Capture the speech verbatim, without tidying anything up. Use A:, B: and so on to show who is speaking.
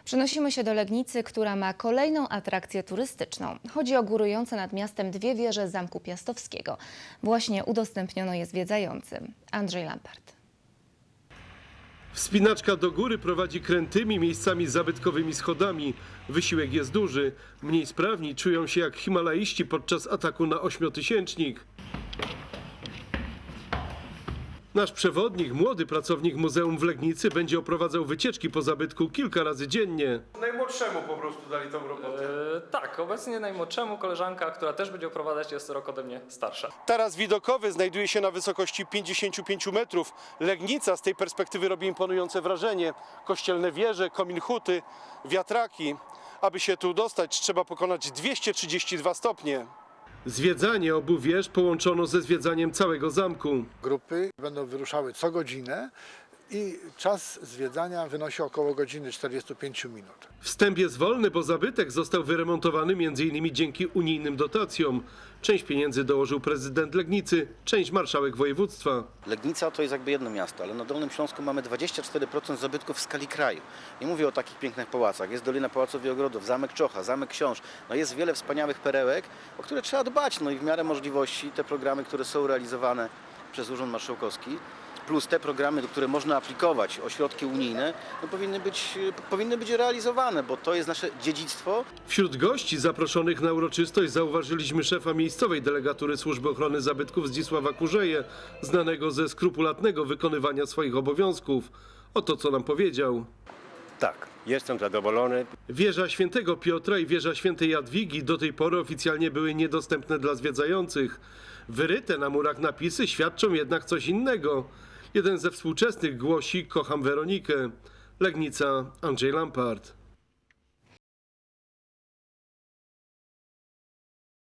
A: Przenosimy się do Legnicy, która ma kolejną atrakcję turystyczną. Chodzi o górujące nad miastem dwie wieże Zamku Piastowskiego. Właśnie udostępniono je zwiedzającym. Andrzej Lampart.
B: Wspinaczka do góry prowadzi krętymi, miejscami zabytkowymi schodami. Wysiłek jest duży. Mniej sprawni czują się jak himalaiści podczas ataku na ośmiotysięcznik. Nasz przewodnik, młody pracownik Muzeum w Legnicy, będzie oprowadzał wycieczki po zabytku kilka razy dziennie. Najmłodszemu po prostu dali tą robotę.
C: Yy, tak, obecnie najmłodszemu koleżanka, która też będzie oprowadzać, jest rok ode mnie starsza.
B: Taras widokowy znajduje się na wysokości pięćdziesięciu pięciu metrów. Legnica z tej perspektywy robi imponujące wrażenie. Kościelne wieże, komin huty, wiatraki. Aby się tu dostać, trzeba pokonać dwieście trzydzieści dwa stopnie. Zwiedzanie obu wież połączono ze zwiedzaniem całego zamku.
D: Grupy będą wyruszały co godzinę i czas zwiedzania wynosi około godziny czterdziestu pięciu minut.
B: Wstęp jest wolny, bo zabytek został wyremontowany między innymi dzięki unijnym dotacjom. Część pieniędzy dołożył prezydent Legnicy, część marszałek województwa.
E: Legnica to jest jakby jedno miasto, ale na Dolnym Śląsku mamy dwadzieścia cztery procent zabytków w skali kraju. Nie mówię o takich pięknych pałacach. Jest Dolina Pałaców i Ogrodów, Zamek Czocha, Zamek Książ. No jest wiele wspaniałych perełek, o które trzeba dbać. No i w miarę możliwości te programy, które są realizowane przez Urząd Marszałkowski, plus te programy, które można aplikować o środki unijne, no powinny być, powinny być realizowane, bo to jest nasze dziedzictwo.
B: Wśród gości zaproszonych na uroczystość zauważyliśmy szefa miejscowej delegatury Służby Ochrony Zabytków Zdzisława Kurzeje, znanego ze skrupulatnego wykonywania swoich obowiązków. Oto co nam powiedział.
F: Tak, jestem zadowolony.
B: Wieża Świętego Piotra i wieża Świętej Jadwigi do tej pory oficjalnie były niedostępne dla zwiedzających. Wyryte na murach napisy świadczą jednak coś innego. Jeden ze współczesnych głosi: kocham Weronikę. Legnica, Andrzej Lampart.